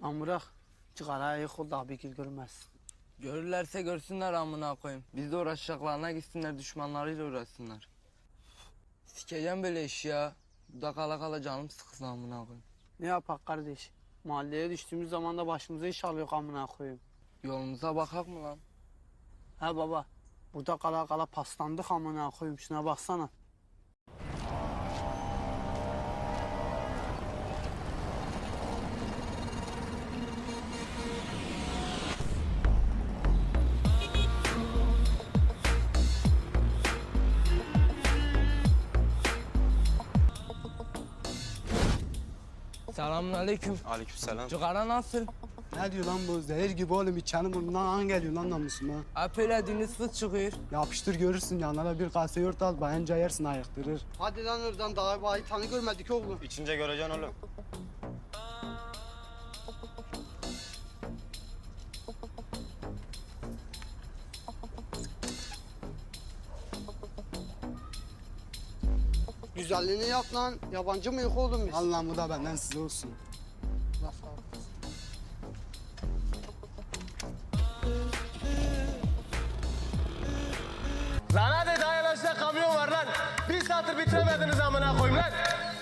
Lan bırak. Çıkara yıkıl da bir gül görmez. Görürlerse görsünler amına koyayım. Biz de uğraşacaklarına gitsinler, düşmanlarıyla uğraşsınlar. Sikeceğim böyle iş ya. Burada kala kala canım sıkılsın amına koyayım. Ne yapak kardeş? Mahalleye düştüğümüz zaman da başımıza iş alıyor amına koyayım. Yolumuza bakak mı lan? Ha baba. Burada kala kala paslandık amına koyayım. Şuna baksana. Selamünaleyküm. Aleykümselam. Cigara nasıl? Ne diyor lan bu? Zehir gibi oğlum içenin burnundan an geliyor lan namusuma. Hep öyle deniz fıs çıkıyor. Yapıştır görürsün yanlara bir kase yoğurt al bayınca yersin ayıktırır. Hadi lan oradan daha bayi tanı görmedik oğlum. İçince göreceksin oğlum. Güzelliğini yap lan. Yabancı mıyız oğlum biz? Al lan bu da benden size olsun. Nasıl abi? Lan hadi dayan aşağı kamyon var lan. Bir satır bitiremediniz amına koyayım lan.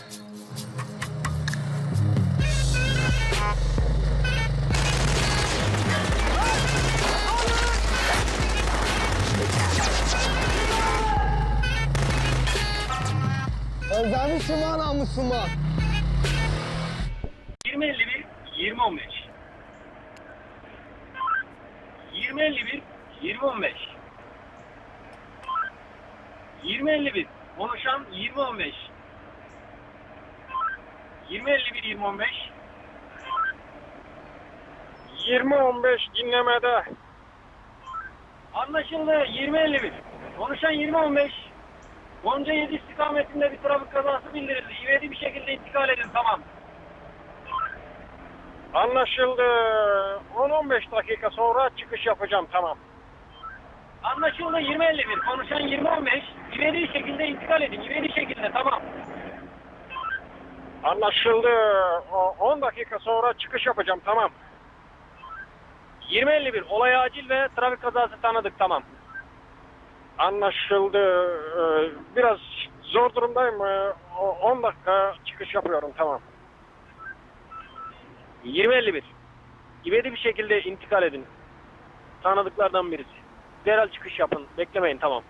Özlemişim ha namusuma. 20.51 20.15 20.51 20.15 20.51 konuşan 20.15 20.51 20.15 20.15 dinlemede. Anlaşıldı. 20.51 konuşan 20.15 Gonca 7 istikametinde bir trafik kazası bildirildi. İvedi bir şekilde intikal edin. Tamam. Anlaşıldı. 10-15 dakika sonra çıkış yapacağım. Tamam. Anlaşıldı. 20.51 konuşan 20.15 İvedi şekilde intikal edin. İvedi şekilde. Tamam. Anlaşıldı. 10 dakika sonra çıkış yapacağım. Tamam. 20.51 olay acil ve trafik kazası tanıdık. Tamam. Anlaşıldı. Biraz zor durumdayım. 10 dakika çıkış yapıyorum. Tamam. 20.51 İvedi bir şekilde intikal edin. Tanıdıklardan birisi. Derhal çıkış yapın. Beklemeyin. Tamam.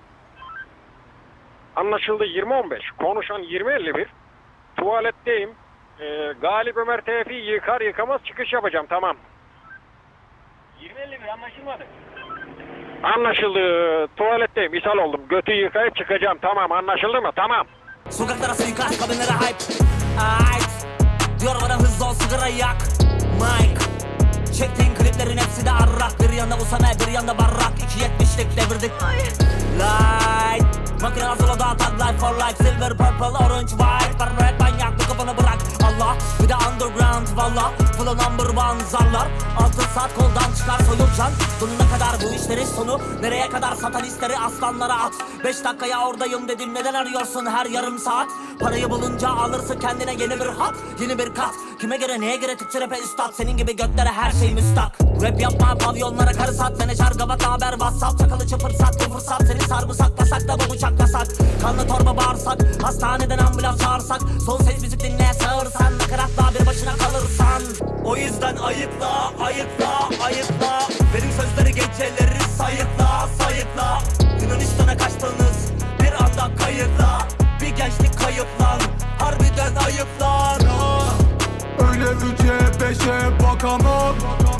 Anlaşıldı. 20.15 konuşan 20.51 tuvaletteyim. Galip Ömer Tevfi yıkar yıkamaz çıkış yapacağım. Tamam. 20.51 anlaşılmadı. Anlaşıldı. Tuvaletteyim. İshal oldum. Götü yıkayıp çıkacağım. Tamam. Anlaşıldı mı? Tamam. Sokaklara suikast, kabinlere hype. Ait. Diyor bana hızlı ol, sigara yak. Mike. Çektiğin kliplerin hepsi de arrak. Bir yanda Usame, bir yanda Barrak. 2.70'lik devirdik. Light. Makine hazır o da tag life for life. Silver, purple, orange, white. Red manyak, bu kafanı bırak. Allah. Bir de underground valla. Full number one zarlar. Altın saat koldan çıkar soyulcan. Sonuna kadar bu işlerin sonu. Nereye kadar satanistleri aslanlara at. 5 dakikaya oradayım dedim, neden arıyorsun her yarım saat? Parayı bulunca alırsın kendine yeni bir hat, yeni bir kat. Kime göre neye göre Türkçe rap'e üstad. Senin gibi götlere her şey müstak. Rap yapma pavyonlara karı sat. Menajer gavat haber whatsapp. Çakalı çıpır sat bu fırsat. Seni sarımsaklasak da bu bıçak yasak. Kanlı torba bağırsak. Hastaneden ambulans çağırsak. Son ses müzik dinleye sağırsan. Nakaratla bir başına kalırsan. O yüzden ayıkla, ayıkla, ayıkla. Benim sözleri geceleri sayıkla, sayıkla. Yunanistan'a kaçtınız bir anda kayıtla. Bir gençlik kayıp lan, harbiden ayıp lan. Öyle 3'e 5'e bakamam.